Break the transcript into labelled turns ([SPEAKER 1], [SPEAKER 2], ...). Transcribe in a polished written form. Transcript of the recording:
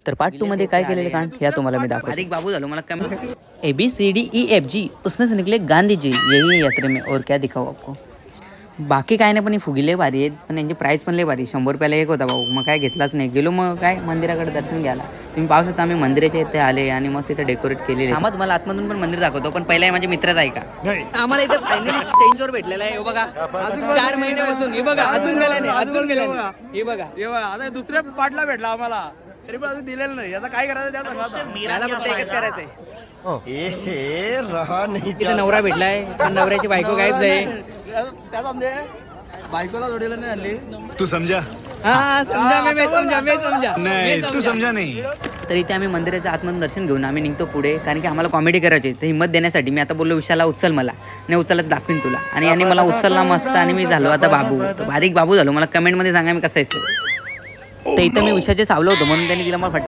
[SPEAKER 1] तर पार्ट 2 मध्ये काय केलेलं कांड या तुम्हाला मी दाखवतो। एक बाबू झालो मला कमी ABCDEFG उसमें से निकले गांधी जी, यही है यात्रे में, और क्या दिखाऊं आपको। बाकी काय नाही, पण ही फुगी लय भारी आहेत, पण यांची प्राईस पण लय भारी, 100 रुपयाला एक होता भाऊ। मग काय घेतलाच नाही, गेलो मग काय मंदिराकडे दर्शन घ्यायला। तुम्ही पाहू शकता आम्ही मंदिराच्या इथे आले आणि मस्त इथे डेकोरेट केलेले। आम्हाला तुम्हाला आतमधून पण मंदिर दाखवतो, पण पहिला माझ्या मित्राचा आहे का आम्हाला इथे फायनली चेंजवर भेटलेला आहे। हे बघा 4 महिन्यापासून, हे बघा अजून गेला नाही, हे बघा
[SPEAKER 2] आता दुसऱ्या पार्टला भेटला आम्हाला, तरी पण अजून दिलेलं नाही। याचा काय करायचं त्या सांगा।
[SPEAKER 1] मला फक्त एकच करायचंय,
[SPEAKER 3] रहा नहीं
[SPEAKER 1] तिथे नवरा भेटलाय पण नवऱ्याची बायको गायब आहे।
[SPEAKER 2] त्या समजे बायकोला जोडीला नाही आणली।
[SPEAKER 4] तू समझा
[SPEAKER 1] हाँ समझा, मैं समझा
[SPEAKER 4] नहीं, तू समझा नहीं।
[SPEAKER 1] तर इथे आम्ही मंदिराचं आतमधून दर्शन घेऊन आम्ही निघतो पुढे, कारण की आम्हाला कॉमेडी करायची। तर हिंमत देण्यासाठी मी आता बोललो विशाला उचल मला, नाही उचलत दाखवीन तुला, आणि याने मला उचलला मस्त आणि मी झालो आता बाबू। तो बारीक बाबू झालो। मला कमेंटमध्ये सांगा मी कसं आहे। तर इथं मी विषयाचे सावलं होतं म्हणून त्यांनी दिला मला